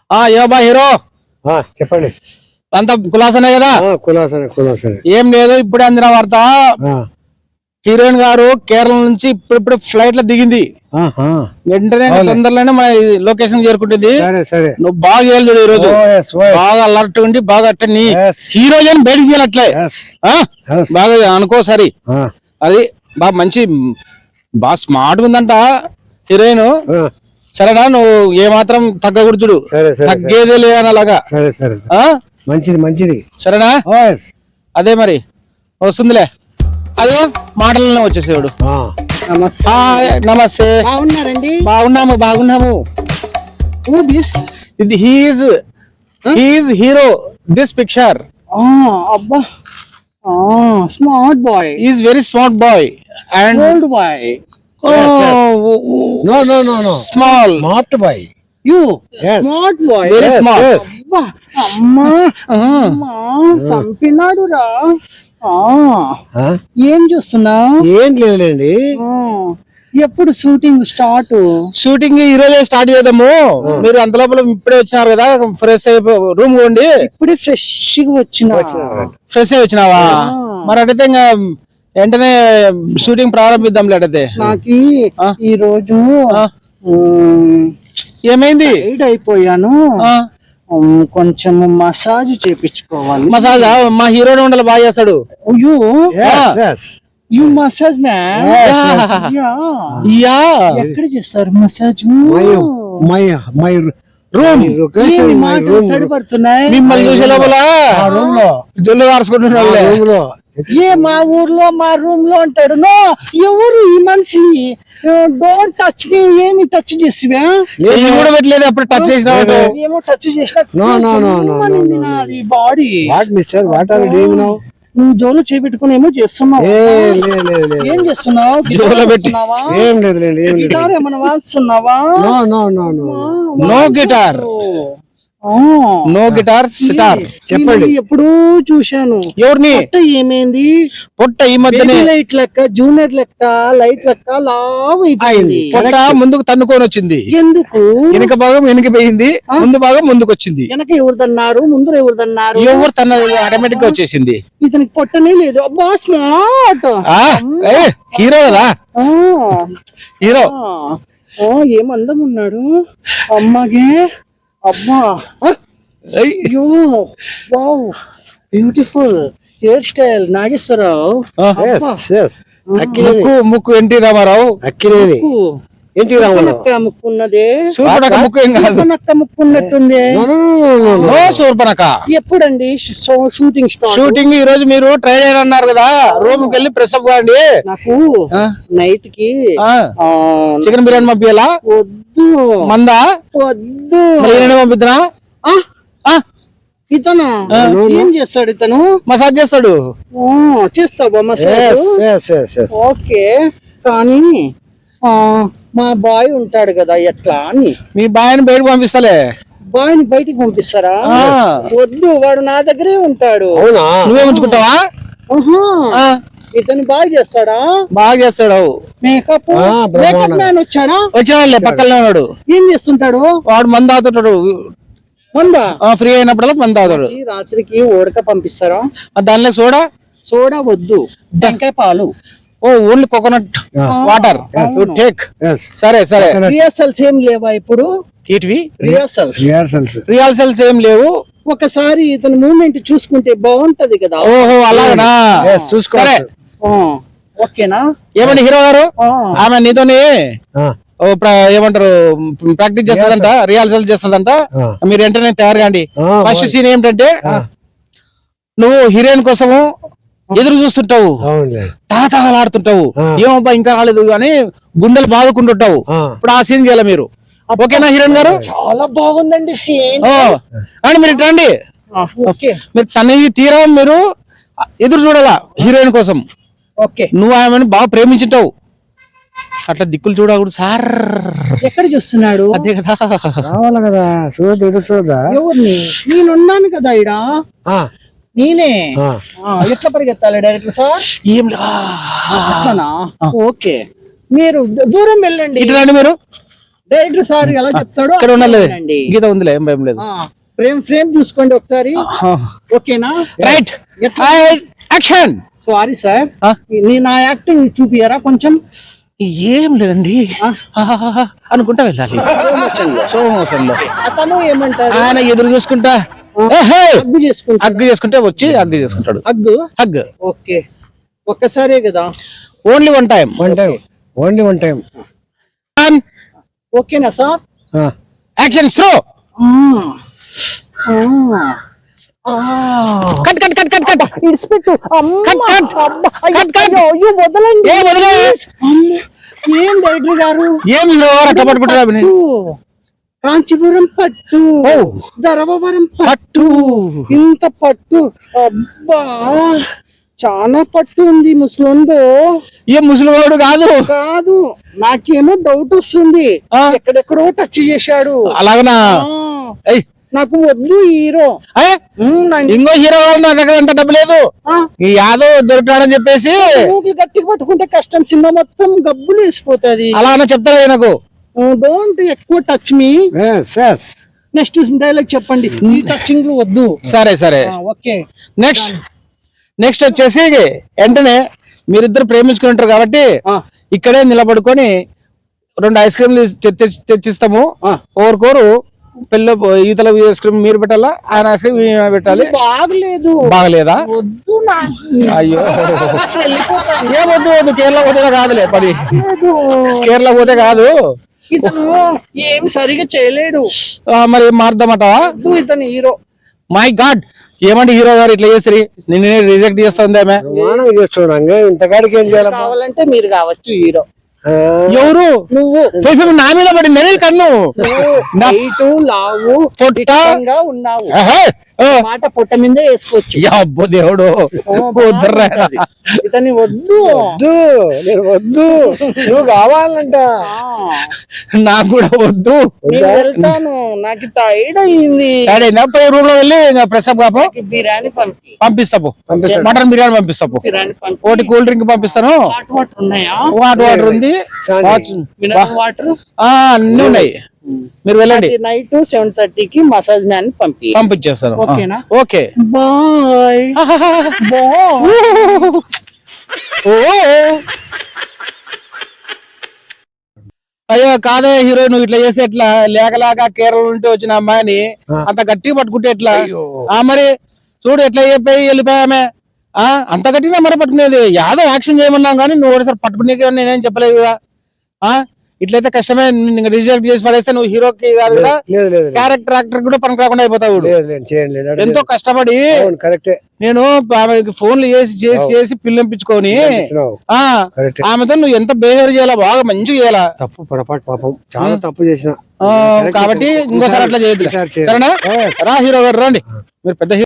ఏబా hero చెప్పండి. అంత కులాసనే కదా? కులాసనే. ఏం లేదు, ఇప్పుడే అందిన వార్త. హీరోయిన్ గారు కేరళ నుంచి ఇప్పుడు ఫ్లైట్ లో దిగింది. వెంటనే తొందరలోనే మన లొకేషన్ చేరుకుంటుంది. నువ్వు బాగా చేయాలి చూడు, ఈ రోజు బాగా అలర్ట్ ఉండి బాగా అట్టని హీరోయిన్ అని బయటకు తీయాలట్లే బాగా అనుకో. సరి అది బాగా మంచి బాగా స్మార్ట్ ఉందంట హీరోయిన్. సరేనా, నువ్వు ఏమాత్రం తగ్గకూడదు, తగ్గేదే లేదని అలాగా. మంచిది. సరేనా? అదే మరి వస్తుందిలే, అదే మాటలనే వచ్చేసేవాడు. నమస్తే. బాగున్నారండి? బాగున్నాము. ఇది హీఈస్ హీరో దిస్ పిక్చర్. అబ్బా, smart boy. Is very smart boy and old boy. No. Smart boy. You smart boy. Very smart. అమ్మా చంపినాడు రా. ఏం చూస్తున్నావు? ఏం లేదులేండి. ఎప్పుడు షూటింగ్ స్టార్ట్? షూటింగ్ ఈ రోజే స్టార్ట్ చేద్దాము. మీరు అంత లోపల ఇప్పుడే వచ్చినారు కదా, ఫ్రెష్ అయిపో రూమ్ కొండి. ఇప్పుడే ఫ్రెష్ అయి వచ్చినావా? మరి అడిగితే ఇంకా వెంటనే షూటింగ్ ప్రారంభిద్దాం. లేటైతే నాకు ఈ రోజు ఏమైంది? అయిపోయాను, కొంచెం మసాజ్ చేపించుకోవాలి. మసాజ్ మా హీరోనే ఉండాలి, బాగా చేస్తాడు. You massage man. ఎక్కడ చేస్తారు మసాజ్? My room తడిపడుతున్నాయి. మిమ్మల్ని చూసే లోపల జొల్లు కారుచుకుంటున్నాడు. మా ఊర్లో మా రూమ్ లో అంటాడు. నో, ఎవరు ఈ మనిషి? Don't touch me. ఏమి టచ్ చేసివా? కూడా పెట్టలేదు, అప్పుడు టచ్ చేసిన ఏమో టచ్ చేసిన బాడీ. నువ్వు జోలో చేపెట్టుకుని ఏమో చేస్తున్నావు. ఏం చేస్తున్నావు? గిటార్ ఏమన్నా వాస్తున్నావా? No guitar, no guitar sitar. చెప్పండి. ఎప్పుడు చూశాను. ఎవరిని? ఏమైంది? పొట్ట ఈ మధ్యనే లైట్ లెక్క, జూనియర్ లెక్క, లైట్ లెక్క లావ్ అయిపోయింది. పొట్ట ముందుకు తన్నుకొని వచ్చింది. ఎందుకు? వెనుక భాగం వెనుకపోయింది, ముందు భాగం ముందుకు వచ్చింది. వెనక ఎవరు తన్నారు, ముందు ఎవరు తన్నారు? ఎవరు తన ఆటోమేటిక్ గా వచ్చేసింది. ఇతనికి పొట్టనే లేదు. అబ్బా, స్మార్ట్ హీరో కదా, హీరో. ఏం అందం ఉన్నాడు అమ్మాగే. అమ్మా, అయ్యో, wow, beautiful hair style Nageswara Rao. ముక్కు ఎన్టీ రామారావు. ముక్కు ఉన్నదే. సూర్పనక ముక్కు ఏం కాదు, ముక్కు ఉన్నట్టుంది. సూర్పనక. ఎప్పుడండి షూటింగ్ స్టార్ట్? షూటింగ్ ఈ రోజు మీరు ట్రైన్ అయిన అన్నారు కదా, రూమ్ కి వెళ్ళి ప్రెస్ అప్ కాండి. నాకు నైట్ కి చికెన్ బిర్యానీ పంపించాలా? వద్దు. మందా? వద్దు. పంపిద్దా? ఇతను ఏం చేస్తాడు? ఇతను మసాజ్ చేస్తాడు. చేస్తావా మసాజ్? ఓకే, కానీ మా బాయ్ ఉంటాడు కదా, ఎట్లా అని. మీ బాయ్ని బయటకు పంపిస్తలే. బాయ్ని బయటికి పంపిస్తారా? వద్దు, వాడు నా దగ్గరే ఉంటాడు. నువ్వే ఉంచుకుంటావా? ఇతను బాగా చేస్తాడా? బాగా చేస్తాడు. మేకప్ మ్యాన్ వచ్చాడా? వచ్చాడులే, పక్కనే ఉన్నాడు. ఏం చేస్తుంటాడు వాడు మందు తాగుతుంటాడు. మందా? ఫ్రీ అయినప్పుడల్లా మందు తాగుతాడు. రాత్రికి ఓడక పంపిస్తారా? దానిలో సోడా వద్దు, టెంకాయ పాలు. Only coconut water take. సరే. రిహార్సల్స్ ఏం లేవా ఇప్పుడు? రిహార్సల్స్ ఏం లేవు. ఒకసారి ఇతని మూమెంట్ చూసుకుంటే బాగుంటది కదా. ఓహో, అలాగనా? సరే, ఓకేనా? ఏమండి హీరో గారు, ఆమె నీతోని ఏమంటారు ప్రాక్టీస్ చేస్తుందంట, రిహార్సల్ చేస్తుందంట. మీరు వెంటనే తయారు కాండి. ఫస్ట్ సీన్ ఏమిటంటే, నువ్వు హీరోయిన్ కోసము ఎదురు చూస్తుంటావు, తాతలాడుతుంటావు. ఏమబ్బా ఇంకా రాలేదు అని గుండెలు బాదుకుంటుంటావు. ఇప్పుడు ఆ సీన్ చేయాలి మీరు. ఓకేనా హీరోయిన్ గారు? చాలా బాగుందండి సీన్. అని మీరు రండి. మీరు తనకి తీరా మీరు ఎదురు చూడాలా హీరోయిన్ కోసం. నువ్వు ఆమెను బాగా ప్రేమించుంటావు. అట్లా దిక్కులు చూడకూడదు సార్. ఎక్కడ చూస్తున్నాడు? అదే కదా, రావాలి కదా, చూడదా? ఎవరిని? నేనున్నాను కదా ఇడ. నేనే. ఎట్లా పరిగెత్తాలి డైరెక్టర్ సార్? ఏం ఓకే, మీరు దూరం వెళ్ళండి. ఇటు రండి మీరు. డైరెక్టర్ సార్ ఎలా చెప్తాడో ఇక్కడ ఉండాలి అవునండి. గీత ఉందిలే ఏం భయం లేదు. ఫ్రేమ్ చూసుకోండి ఒకసారి. ఓకేనా? Right action. సారీ సార్, ఆ? నా యాక్టింగ్ చూపియరా కొంచెం? ఏం లేదండి అనుకుంటా వెళ్ళాలి స్లో మోషన్ లో. అతను ఏమంటారు? ఆయన ఎదురు చూసుకుంటా హగ్గు చేసుకుంటా. హగ్గు చేసుకుంటే వచ్చి హగ్గు చేసుకుంటాడు. హగ్ ఓకే, ఒక్కసారే కదా? Only one time. Only one time. ఓకేనా sir? Action slow. Cut cut cut cut cut ఇడిచిపెట్టు. Cut cut cut cut. అయ్యో వదలండి. ఏ వదిలే. ఏం డైరెక్టర్ గారు? ఏం హీరో అట్లా పట్టుకుంటారు? కాంచీపురం పట్టు, ధర్మవరం పట్టు. ఇంత పట్టు, అబ్బా చాలా పట్టు ఉంది. ముసలిందో ఏ ముసలివాడు కాదు. కాదు, నాకేమో డౌట్ వస్తుంది. ఎక్కడెక్కడో టచ్ చేశాడు. అలాగనా? ఆ, నాకు వద్దు హీరో. ఇంకో హీరో నా దగ్గర అంత డబ్బు లేదు, ఈ యాదవ్ దొరికాడని చెప్పేసి గట్టిగా పట్టుకుంటే కష్టం, సినిమా మొత్తం గబ్బులు వేసిపోతుంది. అలాగనే చెప్తారా నాకు? డోంట్ ఎక్కువ టచ్ మీ. నెక్స్ట్ డైలాగ్ చెప్పండి. ఈ టచింగ్ వద్దు. సరే సరే ఓకే. నెక్స్ట్ వచ్చేసి వెంటనే మీరిద్దరు ప్రేమించుకుంటారు కాబట్టి ఇక్కడే నిలబడుకొని 2 ఐస్ క్రీమ్లు తెచ్చిస్తాము. ఓరుకోరు పిల్ల ఈతల ఐస్ క్రీమ్ మీరు పెట్టాలా, ఆయన ఐస్ క్రీమ్ పెట్టాలి. బాగలేదు. బాగలేదా? వద్దు. అయ్యో ఏం వద్దు వద్దు. కేరళ పోతే కాదులే పని. కేరళ పోతే కాదు. ఇతను ఏం సరిగా చేయలేడు. మరి ఏం మారుద్దామంటావా? ఇతను హీరో. మై గాడ్, ఏమంటే హీరో గారు ఇట్లా చేసి నిన్నే రిజెక్ట్ చేస్తుంది ఆమె. ఇంతకాడికి ఏం చేయాలి? కావాలంటే మీరు కావచ్చు హీరో. ఎవరు? నువ్వు. నా మీద పడింది కన్ను. హైటు, లావు, పొట్టిగా ఉన్నావు. మాట పొట్ట మీద వేసుకోవచ్చు. అబ్బో దేవుడు, ఇతని వద్దు. నేను వద్దు, నువ్వు కావాలంట. నాకు కూడా వద్దు. నేను వెళ్తాను, నాకు టైర్డ్ అయింది. పోయి రూమ్ లో వెళ్ళి ప్రసాద్ కాపు బిర్యానీ పంపిస్తాపు. మటన్ బిర్యానీ పంపిస్తాపు. ఒకటి కూల్ డ్రింక్ పంపిస్తాను. హాట్ వాటర్ ఉన్నాయా? హాట్ వాటర్ ఉంది, మినరల్ వాటర్ అన్ని ఉన్నాయి. మీరు వెళ్ళండి. నైట్ 7:30కి మసాజ్ మ్యాన్ పంపించేస్తాను. ఓకేనా? Okay bye. అయ్యో కాదే హీరో, నువ్వు ఇట్లా చేస్తే ఎట్లా? లేకలేక కేరళ నుండి వచ్చిన అమ్మాయిని అంత గట్టిగా పట్టుకుంటే ఎట్లా? మరి చూడు ఎట్లా చెప్పి వెళ్ళిపోయామే. అంత గట్టిగా మరి పట్టుకునేది. యాదవ్ యాక్షన్ చేయమన్నాం కానీ నువ్వు ఒకసారి పట్టుకునే నేనేం చెప్పలేదు కదా. ఇట్లయితే కష్టమే. రిజెక్ట్ చేసి పడేస్తే నువ్వు హీరోకి కాదు కదా, క్యారెక్టర్ యాక్టర్ కూడా పనికి రాకుండా అయిపోతావు. ఎంతో కష్టపడి నేను ఆమెకి ఫోన్లు చేసి పిల్లంపించుకొని ఆమెతో నువ్వు ఎంత బిహేవ్ చేయాలా, బాగా మంచిగా చేయాలా. తప్పు పొరపాటు పాపం, చాలా తప్పు చేసిన కాబట్టి ఇంకోసారి అట్లా చేయొద్దు. సరేనా? రా హీరో గారు రండి, మీరు పెద్ద